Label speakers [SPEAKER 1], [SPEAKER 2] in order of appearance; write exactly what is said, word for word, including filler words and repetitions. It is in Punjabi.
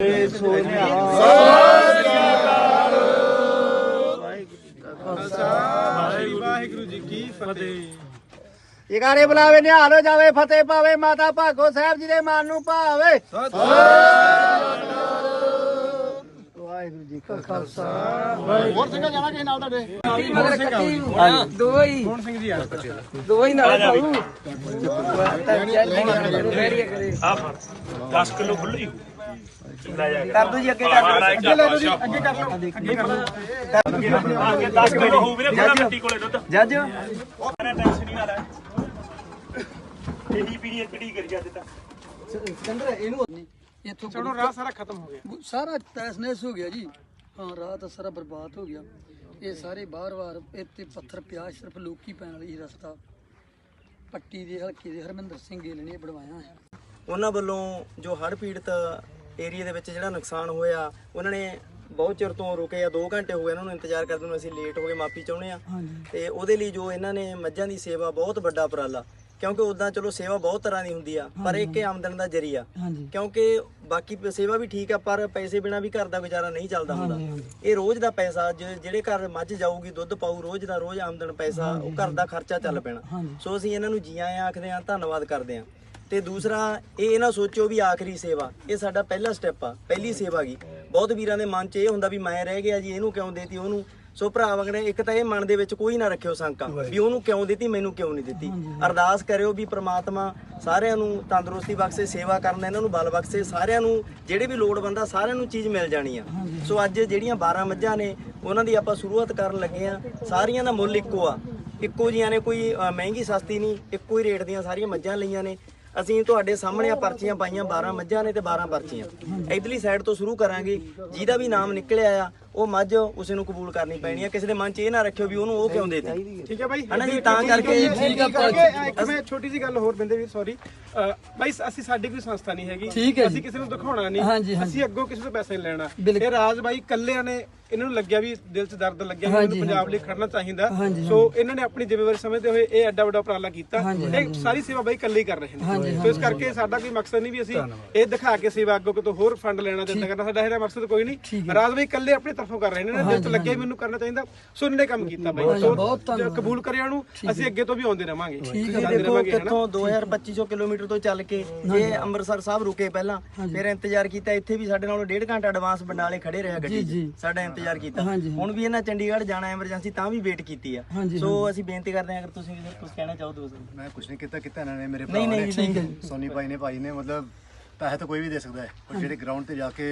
[SPEAKER 1] ਵਾਹਿਗੁਰੂ ਜੀ ਕੀ ਫਤਿਹ।
[SPEAKER 2] ਜਗਾਰੇ ਬੁਲਾਵੇ ਨਿਹਾਲ ਹੋ ਜਾਵੇ, ਫਤਿਹ ਪਾਵੇ ਮਾਤਾ ਭਾਗੋ ਸਾਹਿਬ ਜੀ ਦੇ ਮਨ ਨੂੰ ਭਾਵੇ। ਵਾਹਿਗੁਰੂ ਜੀ ਕਾ ਖਾਲਸਾ। ਹੋਰ ਸਿੰਘ ਜਾਣਾ ਕਿਸੇ ਨਾਲ ਤੁਹਾਡੇ?
[SPEAKER 3] ਦੋ ਹੀ
[SPEAKER 1] ਕੌਣ ਸਿੰਘ ਜੀ ਆ?
[SPEAKER 3] ਦੋ ਹੀ ਨਾਲ ਪਾਉ
[SPEAKER 4] ਆ ਫੜ ਦਸ ਕਿਲੋ ਖੁੱਲੀ
[SPEAKER 3] ਕਰ ਦੋ ਜੀ, ਅੱਗੇ ਕਰ
[SPEAKER 1] ਅੱਗੇ ਲੈ ਲਓ ਜੀ, ਅੱਗੇ ਕਰ ਲਓ, ਅੱਗੇ ਕਰ ਲਓ।
[SPEAKER 4] ਅੱਗੇ ਦਸ ਕਿਲੋ ਹੋਊ ਵੀਰੇ ਪੂਰਾ ਮਿੱਟੀ ਕੋਲੇ ਦੁੱਧ।
[SPEAKER 3] ਜੱਜ
[SPEAKER 4] ਮੈਂ ਟੈਨਸ਼ਨ ਨਹੀਂ ਨਾ ਲੈ ਇਹੀ ਪੀੜੀ ਪੀੜੀ ਕਰੀ ਜਾਂਦੇ ਤਾਂ
[SPEAKER 3] ਇੱਥੋਂ
[SPEAKER 1] ਚਲੋ ਰਾਹ ਸਾਰਾ ਖਤਮ ਹੋ ਗਿਆ।
[SPEAKER 3] ਸਾਰਾ ਤੈਸਨੈਸ ਹੋ ਗਿਆ ਜੀ। ਹਾਂ, ਰਾਹ ਤਾਂ ਸਾਰਾ ਬਰਬਾਦ ਹੋ ਗਿਆ। ਇਹ ਸਾਰੇ ਬਾਰ-ਬਾਰ ਇੱਥੇ ਪੱਥਰ ਪਿਆ, ਸਿਰਫ ਲੋਕੀ ਪੈਣ ਵਾਲੀ ਰਸਤਾ ਪੱਟੀ ਦੇ ਹਲਕੇ ਦੇ ਹਰਮਿੰਦਰ ਸਿੰਘ ਗਿੱਲ ਨੇ ਬਣਵਾਇਆ ਹੈ।
[SPEAKER 5] ਉਹਨਾਂ ਵੱਲੋਂ ਜੋ ਹੜ੍ਹ ਪੀੜਤ ਏਰੀਆ ਦੇ ਵਿੱਚ ਜਿਹੜਾ ਨੁਕਸਾਨ ਹੋਇਆ, ਉਹਨਾਂ ਨੇ ਬਹੁਤ ਚਿਰ ਤੋਂ ਰੁਕੇ ਆ। ਦੋ ਘੰਟੇ ਹੋ ਗਏ ਇਹਨਾਂ ਨੂੰ ਇੰਤਜ਼ਾਰ ਕਰਦੇ ਨੂੰ। ਅਸੀਂ ਲੇਟ ਹੋ ਗਏ, ਮਾਫੀ ਚਾਹੁੰਦੇ ਆ। ਤੇ ਉਹਦੇ ਲਈ ਜੋ ਇਹਨਾਂ ਨੇ ਮੱਝਾਂ ਦੀ ਸੇਵਾ ਬਹੁਤ ਵੱਡਾ ਉਪਰਾਲਾ, ਕਿਉਂਕਿ ਉਦਾਂ ਚਲੋ ਸੇਵਾ ਬਹੁਤ ਤਰ੍ਹਾਂ ਦੀ ਹੁੰਦੀ ਆ, ਪਰ ਇੱਕ ਆਮਦਨ ਦਾ ਜ਼ਰੀਆ। ਕਿਉਂਕਿ ਬਾਕੀ ਸੇਵਾ ਵੀ ਠੀਕ ਆ, ਪਰ ਪੈਸੇ ਬਿਨਾ ਵੀ ਘਰ ਦਾ ਗੁਜ਼ਾਰਾ ਨਹੀਂ ਚੱਲਦਾ ਹੁੰਦਾ। ਇਹ ਰੋਜ਼ ਦਾ ਪੈਸਾ, ਜਿਹੜੇ ਘਰ ਮੱਝ ਜਾਊਗੀ ਦੁੱਧ ਪਾਊ, ਰੋਜ਼ ਦਾ ਰੋਜ਼ ਆਮਦਨ ਪੈਸਾ, ਉਹ ਘਰ ਦਾ ਖਰਚਾ ਚੱਲ ਪੈਣਾ। ਸੋ ਅਸੀਂ ਇਹਨਾਂ ਨੂੰ ਜੀ ਆਇਆਂ ਆਖਦੇ ਆ, ਧੰਨਵਾਦ ਕਰਦੇ ਆ। ਤੇ ਦੂਸਰਾ ਇਹ ਨਾ ਸੋਚੋ ਵੀ ਆਖਰੀ ਸੇਵਾ, ਇਹ ਸਾਡਾ ਪਹਿਲਾ ਸਟੈਪ ਆ, ਪਹਿਲੀ ਸੇਵਾ ਗੀ। ਬਹੁਤ ਵੀਰਾਂ ਦੇ ਮਨ 'ਚ ਇਹ ਹੁੰਦਾ ਵੀ ਮੈਂ ਰਹਿ ਗਿਆ ਜੀ, ਇਹਨੂੰ ਕਿਉਂ ਦੇਤੀ ਉਹਨੂੰ। ਸੋ ਭਰਾ ਵਗਰੇ ਇੱਕ ਤਾਂ ਇਹ ਮਨ ਦੇ ਵਿੱਚ ਕੋਈ ਨਾ ਰੱਖਿਓ ਸ਼ੰਕਾ ਵੀ ਉਹਨੂੰ ਕਿਉਂ ਦਿੱਤੀ, ਮੈਨੂੰ ਕਿਉਂ ਨਹੀਂ ਦਿੱਤੀ। ਅਰਦਾਸ ਕਰਿਓ ਵੀ ਪ੍ਰਮਾਤਮਾ ਸਾਰਿਆਂ ਨੂੰ ਤੰਦਰੁਸਤੀ ਬਖਸ਼ੇ, ਸੇਵਾ ਕਰਨ ਦਾ ਇਹਨਾਂ ਨੂੰ ਬਲ ਬਖਸ਼ੇ। ਸਾਰਿਆਂ ਨੂੰ ਜਿਹੜੇ ਵੀ ਲੋੜਵੰਦ ਆ ਸਾਰਿਆਂ ਨੂੰ ਚੀਜ਼ ਮਿਲ ਜਾਣੀ ਆ। ਸੋ ਅੱਜ ਜਿਹੜੀਆਂ ਬਾਰਾਂ ਮੱਝਾਂ ਨੇ ਉਹਨਾਂ ਦੀ ਆਪਾਂ ਸ਼ੁਰੂਆਤ ਕਰਨ ਲੱਗੇ ਆ। ਸਾਰੀਆਂ ਦਾ ਮੁੱਲ ਇੱਕੋ ਆ, ਇੱਕੋ ਜੀਆਂ ਨੇ, ਕੋਈ ਮਹਿੰਗੀ ਸਸਤੀ ਨਹੀਂ, ਇੱਕੋ ਹੀ ਰੇਟ ਦੀਆਂ ਸਾਰੀਆਂ ਮੱਝਾਂ ਲਈਆਂ ਨੇ। ਅਸੀਂ ਤੁਹਾਡੇ ਸਾਹਮਣੇ ਆ ਪਰਚੀਆਂ ਪਾਈਆਂ, ਬਾਰਾਂ ਮੱਝਾਂ ਨੇ ਤੇ ਬਾਰਾਂ ਪਰਚੀਆਂ। ਇਧਰਲੀ ਸਾਈਡ ਤੋਂ ਸ਼ੁਰੂ ਕਰਾਂਗੇ। ਜਿਹਦਾ ਵੀ ਨਾਮ ਨਿਕਲਿਆ ਆ ਉਹ ਮੱਝ ਉਸੇ ਨੂੰ ਕਬੂਲ ਕਰਨੀ ਪੈਣੀ ਆ। ਕਿਸੇ ਦੇ ਮਨ 'ਚ ਇਹ ਨਾ ਰੱਖਿਓ ਵੀ ਉਹਨੂੰ ਉਹ ਕਿਉਂ ਦੇਤੀ।
[SPEAKER 1] ਠੀਕ ਹੈ ਬਾਈ,
[SPEAKER 5] ਹਨਾ ਜੀ, ਤਾਂ ਕਰਕੇ
[SPEAKER 1] ਠੀਕ ਆ। ਇੱਕ ਮੈਂ ਛੋਟੀ ਜੀ ਗੱਲ ਹੋਰ ਬਿੰਦੇ ਵੀਰ, ਸੌਰੀ ਬਾਈ, ਅਸੀਂ ਸਾਡੀ ਕੋਈ ਸੰਸਥਾ ਨਹੀਂ ਹੈਗੀ, ਅਸੀਂ ਕਿਸੇ ਨੂੰ ਦਿਖਾਉਣਾ ਨਹੀਂ, ਅਸੀਂ ਅੱਗੋਂ ਕਿਸੇ ਤੋਂ ਪੈਸੇ ਨਹੀਂ ਲੈਣਾ। ਇਹ ਰਾਜ ਬਾਈ ਕੱਲਿਆਂ ਨੇ, ਇਹਨਾਂ ਨੂੰ ਲੱਗਿਆ ਵੀ ਦਿਲ 'ਚ ਦਰਦ ਲੱਗਿਆ ਵੀ ਮੈਨੂੰ ਪੰਜਾਬ ਲਈ ਖੜਨਾ ਚਾਹੀਦਾ। ਸੋ ਇਹਨਾਂ ਨੇ ਆਪਣੀ ਜ਼ਿੰਮੇਵਾਰੀ ਸਮਝਦੇ ਹੋਏ ਇਹ ਐਡਾ ਵੱਡਾ ਉਪਰਾਲਾ ਕੀਤਾ। ਇਹ ਸਾਰੀ ਸੇਵਾ ਬਾਈ ਕੱਲੇ ਹੀ ਕਰ ਰਹੇ ਨੇ। ਸੋ ਇਸ ਕਰਕੇ ਸਾਡਾ ਕੋਈ ਮਕਸਦ ਨਹੀਂ ਵੀ ਅਸੀਂ ਇਹ ਦਿਖਾ ਕੇ ਸੇਵਾ ਅੱਗੋਂ ਕਿਤੋਂ ਹੋਰ ਫੰਡ ਲੈਣਾ ਦਿੰਦਾ ਕਰਨਾ, ਸਾਡਾ ਇਹਦਾ ਮਕਸਦ ਕੋਈ ਨਹੀਂ। ਰਾਜ ਬਾਈ ਕੱਲੇ ਆਪਣੀ ਤਰਫੋਂ ਕਰ ਰਹੇ ਨੇ, ਦਿਲ 'ਚ ਲੱਗਿਆ ਮੈਨੂੰ ਕਰਨਾ ਚਾਹੀਦਾ। ਸੋ ਇਹਨਾਂ ਨੇ ਕੰਮ ਕੀਤਾ ਬਾਈ, ਸੋ ਕਬੂਲ ਕਰਿਆ ਉਹਨੂੰ। ਅਸੀਂ ਅੱਗੇ ਤੋਂ ਵੀ ਆਉਂਦੇ ਰਵਾਂਗੇ।
[SPEAKER 5] ਦੇਖੋ ਕਿੱਥੋਂ ਦੋ ਹਜ਼ਾਰ ਪੱਚੀ ਸੌ ਕਿਲੋਮੀਟਰ ਤੋਂ ਚੱਲ ਕੇ ਇਹ ਅੰਮ੍ਰਿਤਸਰ ਸਾਹਿਬ ਰੁਕੇ ਪਹਿਲਾਂ, ਫਿਰ ਇੰਤਜ਼ਾਰ ਕੀਤਾ। ਇੱਥੇ ਵੀ ਸਾਡੇ ਨਾਲੋਂ ਡੇਢ ਘੰਟਾ ਐਡਵਾਂਸ ਬੰਡਾਲੇ ਖੜੇ ਰਿਹਾ ਗੱਡੀ 'ਚ, ਸਾਡਾ ਇੰਤਜ਼ਾਰ ਕੀਤਾ। ਹੁਣ ਵੀ ਇਹਨਾਂ ਚੰਡੀਗੜ੍ਹ ਜਾਣਾ ਐਮਰਜੈਂਸੀ, ਤਾਂ ਵੀ ਵੇਟ ਕੀਤੀ ਆ। ਸੋ ਅਸੀਂ ਬੇਨਤੀ ਕਰਦੇ ਹਾਂ, ਅਗਰ ਤੁਸੀਂ ਵੀ ਕੁਝ ਕਹਿਣਾ ਚਾਹੋ ਦੋਸਤ।
[SPEAKER 6] ਮੈਂ ਕੁਝ ਨਹੀਂ ਕੀਤਾ ਕੀਤਾ ਇਹਨਾਂ ਨੇ, ਮੇਰੇ
[SPEAKER 5] ਨਹੀਂ
[SPEAKER 6] ਭਰਾ
[SPEAKER 5] ਨਹੀਂ
[SPEAKER 6] ਨੇ, ਸੋਨੀ ਭਾਈ ਨੇ, ਭਾਈ ਨੇ, ਮਤਲਬ ਪੈਸੇ ਤਾਂ ਕੋਈ ਵੀ ਦੇ ਸਕਦਾ ਹੈ, ਪਰ ਜਿਹੜੇ ਗਰਾਊਂਡ ਤੇ ਜਾ ਕੇ